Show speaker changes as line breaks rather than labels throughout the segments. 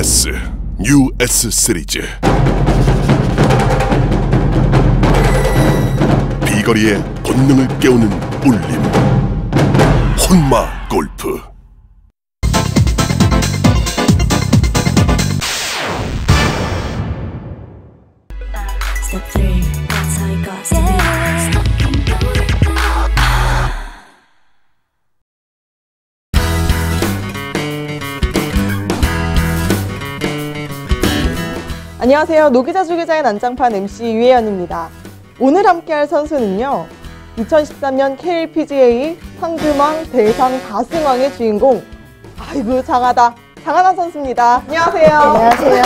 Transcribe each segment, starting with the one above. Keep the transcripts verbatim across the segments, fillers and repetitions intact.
S 뉴 S 시리즈 비거리의 본능을 깨우는 울림 혼마 골프.
Step three, that's how it goes. Yeah.
안녕하세요. 노기자 주기자의 난장판 엠씨 유혜연입니다. 오늘 함께할 선수는요, 이천십삼 년 케이엘피지에이 황금왕, 대상 다승왕의 주인공, 아이고 장하다, 장하나 선수입니다. 안녕하세요.
안녕하세요.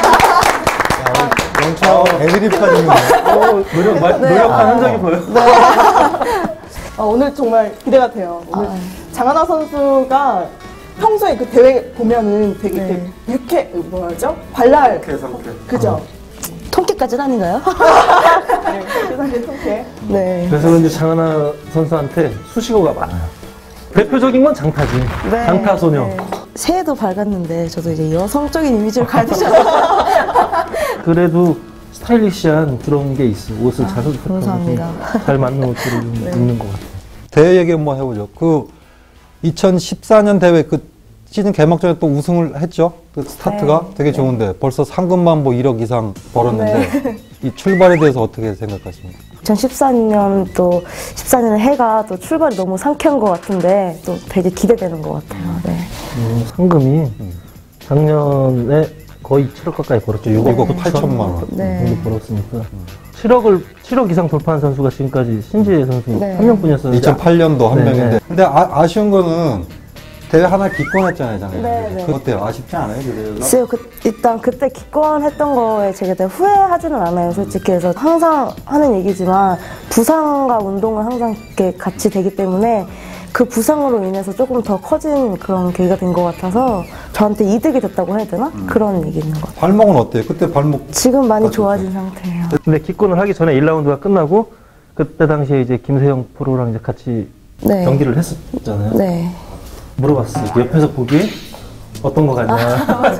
영차 애드립까지 있네. 노력, 마,
네.
노력한 흔적이 보여.
네. 어, 오늘 정말 기대가 돼요. 오늘
아.
장하나 선수가 평소에 그 대회 보면은 되게
네.
이렇게 유쾌, 뭐라죠? 발랄.
상쾌, 상쾌.
그죠?
통깨까지는 아닌가요?
네, 세상에 통쾌.
네.
그래서 그런지 장하나 선수한테 수식어가 많아요. 대표적인 건 장타지.
네.
장타소녀.
네. 새해도 밝았는데 저도 이제 여성적인 이미지를 가지셔서
그래도 스타일리시한 그런 게 있어. 옷을 잘 선택하고
감사합니다.
잘 맞는 옷들을 좀
네.
입는 것 같아요.
대회 얘기 한번 해보죠. 그 이천십사 년 대회 그 시즌 개막전에 또 우승을 했죠. 그 스타트가
네.
되게 좋은데 벌써 상금만 뭐 일억 이상 벌었는데
네.
이 출발에 대해서 어떻게 생각하십니까?
이천십사 년 또 십사 년 해가 또 출발이 너무 상쾌한 것 같은데 또 되게 기대되는 것 같아요. 네.
음, 상금이 작년에 거의 칠억 가까이 벌었죠.
육억 팔천만 원.
네.
정도 벌었으니까. 칠억을, 칠억 이상 돌파한 선수가 지금까지 신지혜 선수
네.
한 명뿐이었어요.
이천팔 년도 한
네,
명인데
네.
근데 아, 아쉬운 거는 대회 하나 기권했잖아요, 작년에.
네, 네.
그거 어때요? 아쉽지 않아요, 그 대회가?
글쎄요, 그, 일단 그때 기권했던 거에 제가 되게 후회하지는 않아요, 솔직히. 그래서 항상 하는 얘기지만 부상과 운동은 항상 이렇게 같이 되기 때문에 그 부상으로 인해서 조금 더 커진 그런 계기가 된 것 같아서 저한테 이득이 됐다고 해야 되나?
음.
그런 얘기 있는 것 같아요.
발목은 어때요? 그때 발목
지금 많이
맞췄죠?
좋아진 상태예요.
근데 기권을 하기 전에 일 라운드가 끝나고 그때 당시에 이제 김세영 프로랑 이제 같이
네.
경기를 했었잖아요.
네.
물어봤어요. 옆에서 보기에 어떤 거 같냐.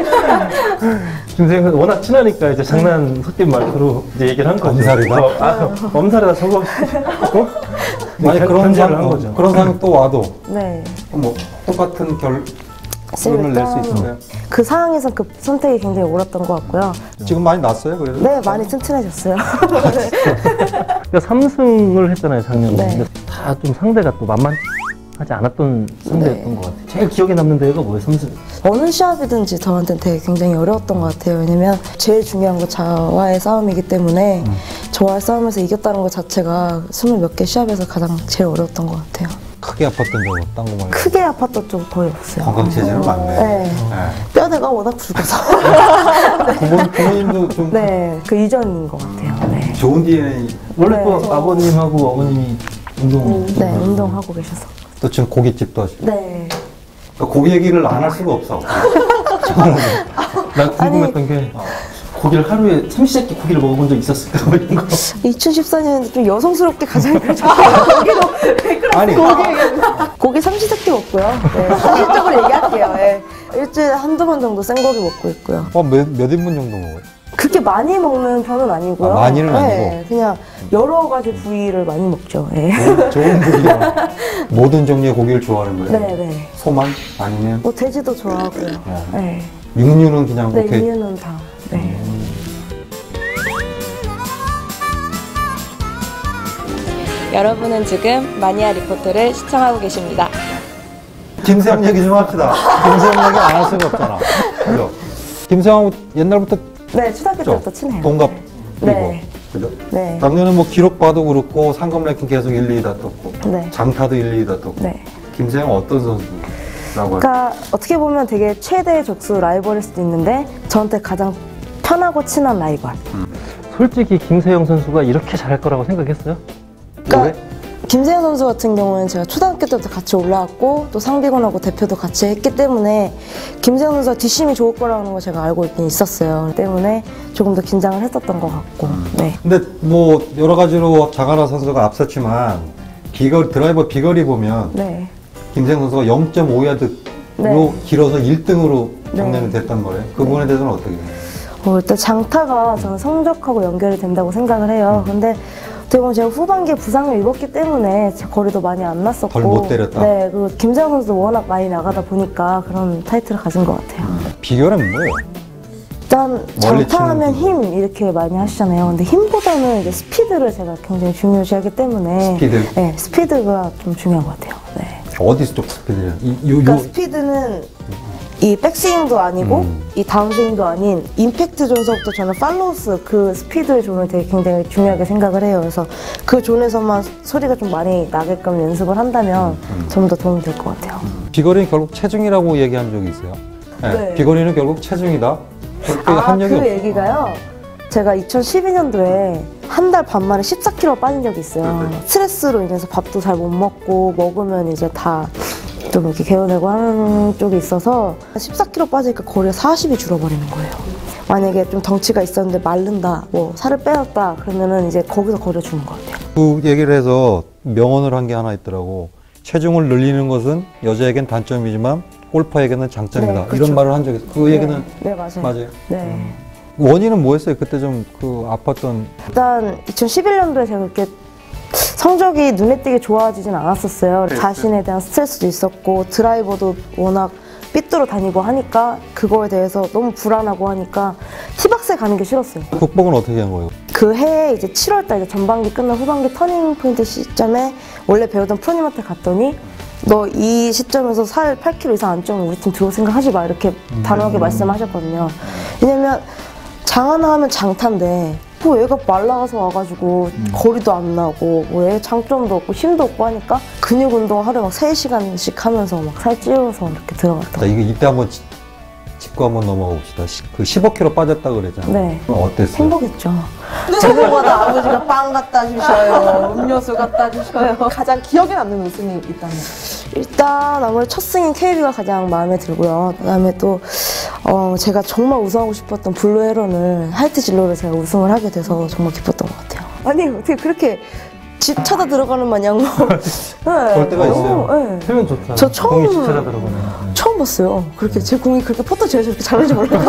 김세영 워낙 친하니까 이제 장난 섞인 말투로 이제 얘기를 한 거죠.
엄살이다?
어, 아, 엄살이다 저거. 어?
아니 그런
견제를
상황
한 거죠.
그런 상황 또 와도
네.
뭐 똑같은 결 결론을 낼 수
일단
있을까요?
그 상황에서 그 선택이 굉장히 옳았던 것 같고요.
지금 많이 났어요, 그래도?
네, 많이 튼튼해졌어요.
그러니까 삼 승을 했잖아요 작년에.
네.
근데 다 좀 상대가 또 만만하지 않았던 상대였던
네.
것 같아요. 제일 기억에 남는 대회가 뭐예요? 삼 승.
어느 시합이든지 저한테는 되게 굉장히 어려웠던 것 같아요. 왜냐면 제일 중요한 건 저와의 싸움이기 때문에
음.
저와의 싸움에서 이겼다는 것 자체가 스물 몇 개 시합에서 가장 제일 어려웠던 것 같아요.
크게 아팠던 적은 딴 거 말고
크게 아팠던 적 거의 없어요.
건강 체질은 많네.
네.
네.
뼈대가 워낙 굵어서.
부모, 부모님도 좀
네, 그 이전인 것 같아요. 네.
좋은 디엔에이
원래
네.
또 아버님하고 어머님이 운동.
네, 운동하고 계셔서.
또 지금 고깃집도 하시고
네.
그러니까 고기 얘기를 안 할 수가 없어.
난 궁금했던 게 고기를 하루에 삼시세끼 고기를 먹어본 적 있었을까? 뭐 이런 거.
이천십사 년에 좀 여성스럽게 가장 고기도
아니
고기 삼시세끼 먹고요. 네, 현실적으로 얘기할게요. 네. 일주일에 한두 번 정도 생고기 먹고 있고요.
어, 몇, 몇 인분 정도 먹어요?
그렇게 많이 먹는 편은 아니고요.
아, 많이는
네,
아니고?
그냥 여러 가지 부위를 많이 먹죠. 네.
좋은, 좋은 고기가 모든 종류의 고기를 좋아하는 거예요?
네, 네.
소만? 아니면
뭐 돼지도 좋아하고요. 네.
육류는 그냥
네,
오케이?
이유는 다. 네.
여러분은 지금 마니아 리포트를 시청하고 계십니다.
김세영 얘기 좀 합시다. 김세영 얘기 안 할 수가 없잖아. 그죠? 김세영하고 옛날부터
네, 초등학교
죠
때부터 친해요.
동갑이고.
네.
그죠?
네.
작년에 뭐 기록 봐도 그렇고 상금 랭킹 계속 일, 이 위 다퉜고
네.
장타도 일, 이 위 다퉜고
네.
김세영 어떤 선수라고 할까요?
그러니까 어떻게 보면 되게 최대의 적수 라이벌일 수도 있는데 저한테 가장 편하고 친한 라이벌.
솔직히 김세영 선수가 이렇게 잘할 거라고 생각했어요?
그러니까 김세현 선수 같은 경우는 제가 초등학교 때부터 같이 올라왔고 또 상비군하고 대표도 같이 했기 때문에 김세현 선수가 뒷심이 좋을 거라는 걸 제가 알고 있긴 있었어요. 때문에 조금 더 긴장을 했었던 것 같고. 네.
근데 뭐 여러 가지로 장하나 선수가 앞섰지만 비거리 드라이버 비거리 보면
네.
김세영 선수가 영 점 오 야드
네.
길어서 일 등으로
네.
작년에 됐단 말이에요. 그 부분에 대해서는 어떻게 해요?
어, 일단 장타가 저는 성적하고 연결이 된다고 생각을 해요. 근데 어떻게 보면 제가 후반기에 부상을 입었기 때문에 제 거리도 많이 안 났었고
덜 못 때렸다?
네, 그리고 김세영 선수도 워낙 많이 나가다 보니까 그런 타이틀을 가진 것 같아요.
비결은 뭐예요?
일단
멀리
장타하면
치는
힘 이렇게 많이 하시잖아요. 근데 힘보다는 이제 스피드를 제가 굉장히 중요시하기 때문에
스피드?
네, 스피드가 좀 중요한 것 같아요. 네.
어디 쪽 스피드예요? 이, 요,
그러니까
요,
스피드는 이 백스윙도 아니고
음.
이 다운스윙도 아닌 임팩트 존서부터 저는 팔로우스 그 스피드의 존을 되게 굉장히 중요하게 생각을 해요. 그래서 그 존에서만 소리가 좀 많이 나게끔 연습을 한다면
음.
좀 더 도움이 될 것 같아요.
비거리는 결국 체중이라고 얘기한 적이 있어요. 네.
네.
비거리는 결국 체중이다. 그렇게
아,
한 적이
그
없어요.
얘기가요? 제가 이천십이 년도에 한 달 반 만에 십사 킬로그램 빠진 적이 있어요. 스트레스로 인해서 밥도 잘 못 먹고 먹으면 이제 다 좀 이렇게 개어내고 하는 쪽이 있어서 십사 킬로그램 빠지니까 거리가 사십이 줄어버리는 거예요. 만약에 좀 덩치가 있었는데 마른다, 뭐 살을 빼었다 그러면은 이제 거기서 거리가 주는 것 같아요.
그 얘기를 해서 명언을 한 게 하나 있더라고. 체중을 늘리는 것은 여자에겐 단점이지만 골퍼에게는 장점이다.
네, 그렇죠.
이런 말을 한 적이 있어요. 그 얘기는
네, 네, 맞아요.
맞아요.
네.
원인은 뭐였어요? 그때 좀 그 아팠던.
일단 이천십일 년도에 제가 그렇게 성적이 눈에 띄게 좋아지진 않았었어요. 자신에 대한 스트레스도 있었고 드라이버도 워낙 삐뚤어 다니고 하니까 그거에 대해서 너무 불안하고 하니까 티박스에 가는 게 싫었어요.
극복은 어떻게 한 거예요?
그 해에 이제 칠월달 이제 전반기 끝난 후반기 터닝 포인트 시점에 원래 배우던 프로님한테 갔더니 너 이 시점에서 살 팔 킬로그램 이상 안 찌면 우리 팀 들어올 생각 하지 마 이렇게 단호하게 말씀하셨거든요. 왜냐면 장하나 하면 장타인데 뭐 얘가 말라가서 와가지고
음.
거리도 안 나고 뭐 얘 장점도 없고 힘도 없고 하니까 근육 운동 하루에 막 세 시간씩 하면서 막 살 찌워서 이렇게 들어갔다.
자, 이거 이때 한번 짚- 짚고 한번 넘어가 봅시다. 시- 그 십오 킬로그램 빠졌다 그랬잖아요.
네.
그럼 어땠어요?
행복했죠.
저보다 아버지가 빵 갖다 주셔요. 음료수 갖다 주셔요. 가장 기억에 남는 우승이 있다면?
일단 아무래도 첫 승인 케이비가 가장 마음에 들고요. 그다음에 또 어, 제가 정말 우승하고 싶었던 블루 헤런을 하이트 진로를 제가 우승을 하게 돼서 정말 기뻤던 것 같아요. 아니 어떻게 그렇게 집 찾아 들어가는 마냥 네.
그럴 때가 있어요.
네.
표현 좋다.
저 처음-
공이 진짜 들어보네.
처음 봤어요. 그렇게 제 공이 그렇게 퍼터 제가 저렇게 잘하는지 몰랐어요.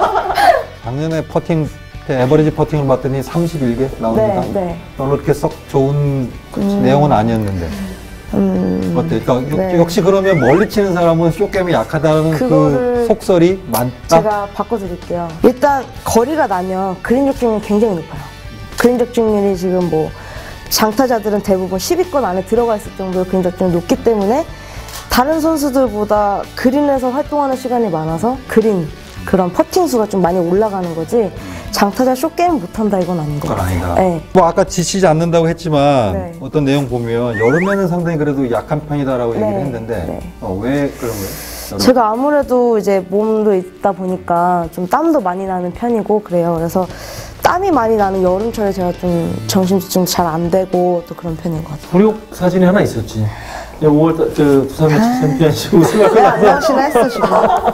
작년에 퍼팅 때 에버리지 퍼팅을 봤더니 삼십일 개 나오니까
네, 네.
별로 그렇게 썩 좋은 내용은 아니었는데
음,
어때? 그러니까
네.
역- 역시 그러면 멀리 치는 사람은 쇼게임이 약하다는 그
그거를
속설이 많다?
제가 바꿔드릴게요. 일단 거리가 나면 그린 적중률이 굉장히 높아요. 그린 적중률이 지금 뭐 장타자들은 대부분 십 위권 안에 들어가 있을 정도로 그린 적중률이 높기 때문에 다른 선수들보다 그린에서 활동하는 시간이 많아서 그린 그런 퍼팅 수가 좀 많이 올라가는 거지 장타자 쇼게임 못한다 이건 아닌 것
그건
같아요.
아니다.
네.
뭐 아까 지치지 않는다고 했지만
네.
어떤 내용 보면 여름에는 상당히 그래도 약한 편이다라고
네.
얘기를 했는데
네.
어, 왜 그런 거예요? 여름?
제가 아무래도 이제 몸도 있다 보니까 좀 땀도 많이 나는 편이고 그래요. 그래서 땀이 많이 나는 여름철에 제가 좀 정신집중 잘 안 되고 또 그런 편인 것 같아요.
굴욕 사진이 하나 있었지. 오월 달, 저 두산 매치 챔피언십 우승하고
내가 안
나서
당신을 했어 지금.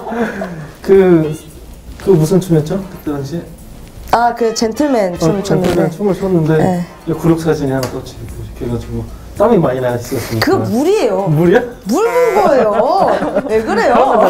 그, 그 무슨 춤이었죠? 그때 당시에?
아 그 젠틀맨 춤을
어, 젠틀맨
췄는데
춤을 췄는데
네.
굴욕 사진이 하나 떴지. 이렇게 해가지고 땀이 많이 나 있었으니까.
그거 물이에요.
물이야?
물 본 거예요. 왜 그래요?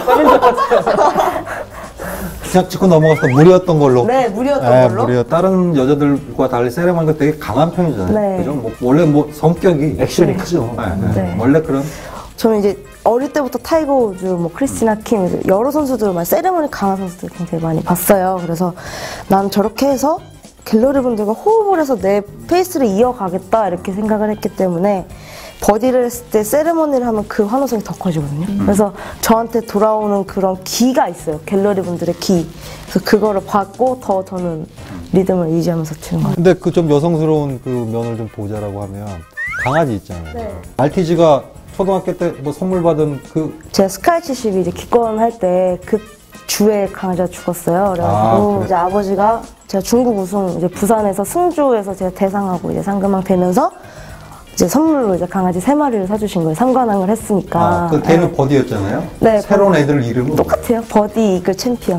그냥 짚고 넘어가서 무리였던 걸로.
네 물이었던
네,
걸로.
무리요. 다른 여자들과 달리 세레머니가 되게 강한 편이잖아요.
네.
그죠? 뭐 원래 뭐 성격이
액션이 크죠.
네, 네.
네.
원래 그런
저는 이제 어릴 때부터 타이거 우즈, 뭐 크리스티나 킴 이제 여러 선수들 많이 세레머니 강한 선수들 굉장히 많이 봤어요. 그래서 난 저렇게 해서 갤러리 분들과 호흡을 해서 내 페이스를 이어가겠다 이렇게 생각을 했기 때문에 버디를 했을 때 세레머니를 하면 그 환호성이 더 커지거든요. 그래서 저한테 돌아오는 그런 기가 있어요. 갤러리 분들의 기. 그래서 그거를 받고 더 저는 리듬을 유지하면서 치는 거예요.
근데 그 좀 여성스러운 그 면을 좀 보자라고 하면 강아지 있잖아요.
네.
알티지가 초등학교 때 뭐 선물 받은 그
제가 스카이 칠십이 이제 기권할 때 그 주에 강아지가 죽었어요. 그래가지고
아, 그래.
이제 아버지가 제가 중국 우승 이제 부산에서 승주에서 제가 대상하고 이제 상금왕 되면서 이제 선물로 이제 강아지 세 마리를 사주신 거예요. 삼관왕을 했으니까.
아, 그 걔는 버디였잖아요.
네,
새로운
버디.
애들 이름은
똑같아요. 버디 이글 챔피언.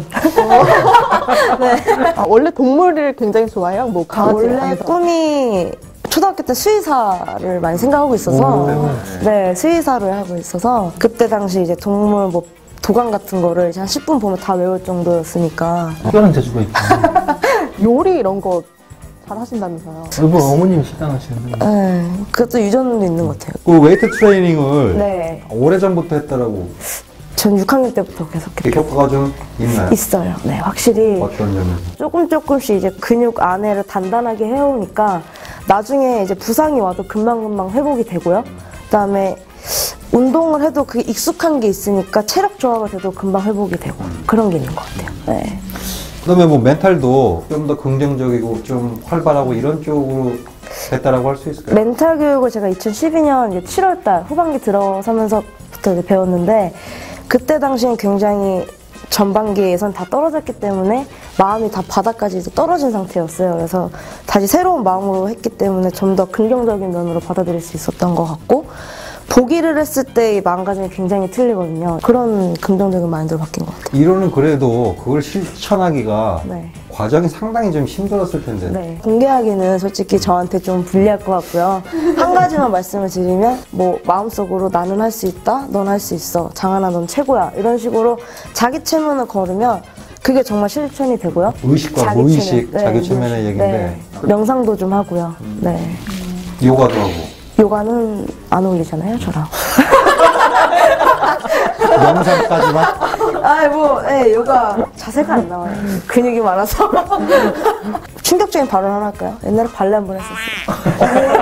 아, 원래 동물을 굉장히 좋아해요? 뭐 강아지
원래
아니면
꿈이 초등학교 때 수의사를 많이 생각하고 있어서 네 수의사를 하고 있어서 그때 당시 이제 동물 뭐 도감 같은 거를 이제 한 십 분 보면 다 외울 정도였으니까.
특별한 재주가 있구나.
요리 이런 거 잘 하신다면서요?
일본 어머님 식당 하시는데.
네, 그것도 유전도 있는 것 같아요.
그 웨이트 트레이닝을
네.
오래전부터 했다라고.
전 육 학년 때부터 계속
그 효과가 좀 있나요?
있어요. 네, 확실히
어떤 점에서?
조금 조금씩 이제 근육 안에를 단단하게 해오니까 나중에 이제 부상이 와도 금방금방 회복이 되고요. 그다음에 운동을 해도 그게 익숙한 게 있으니까 체력 저하가 돼도 금방 회복이 되고 그런 게 있는 것 같아요. 네.
그다음에 뭐 멘탈도 좀 더 긍정적이고 좀 활발하고 이런 쪽으로 됐다라고 할 수 있을까요?
멘탈 교육을 제가 이천십이 년 이제 칠월 달 후반기 들어서면서부터 이제 배웠는데 그때 당시엔 굉장히 전반기에 예선 다 떨어졌기 때문에 마음이 다 바닥까지 이제 떨어진 상태였어요. 그래서 다시 새로운 마음으로 했기 때문에 좀 더 긍정적인 면으로 받아들일 수 있었던 것 같고 보기를 했을 때의 마음가짐이 굉장히 틀리거든요. 그런 긍정적인 마인드로 바뀐 것 같아요.
이론은 그래도 그걸 실천하기가
네.
과정이 상당히 좀 힘들었을 텐데.
네. 공개하기는 솔직히 저한테 좀 불리할 것 같고요. 한 가지만 말씀을 드리면 뭐 마음속으로 나는 할 수 있다, 넌 할 수 있어, 장하나 넌 최고야 이런 식으로 자기 체면을 걸으면 그게 정말 실천이 되고요.
의식과
자기
무의식,
체면.
자기
네,
체면의
무의식.
얘기인데.
네. 명상도 좀 하고요. 네.
요가도 하고.
요가는 안 어울리잖아요, 저랑.
명상까지만?
아, 뭐, 네, 요가 자세가 안 나와요. 근육이 많아서. 충격적인 발언 하나 할까요? 옛날에 발레 한 번 했었어요.